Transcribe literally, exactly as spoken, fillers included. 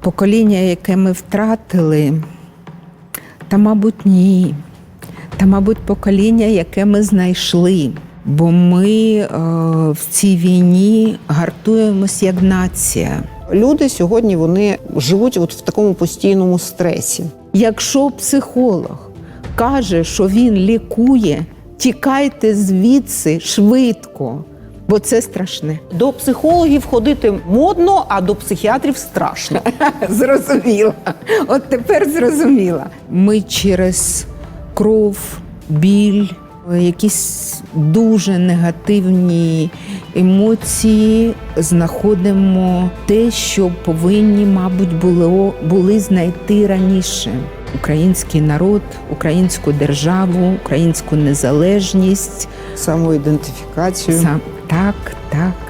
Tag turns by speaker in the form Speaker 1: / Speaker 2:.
Speaker 1: покоління, яке ми втратили, та, мабуть, ні. Та, мабуть, покоління, яке ми знайшли. Бо ми е, в цій війні гартуємось як нація.
Speaker 2: Люди сьогодні вони живуть от в такому постійному стресі.
Speaker 1: Якщо психолог каже, що він лікує, тікайте звідси швидко, бо це страшне.
Speaker 2: До психологів ходити модно, а до психіатрів страшно.
Speaker 1: Зрозуміла. От тепер зрозуміла. Ми через кров, біль, якісь дуже негативні емоції знаходимо те, що повинні, мабуть, було, були знайти раніше. Український народ, українську державу, українську незалежність.
Speaker 2: Самоідентифікацію.
Speaker 1: Сам, так, так.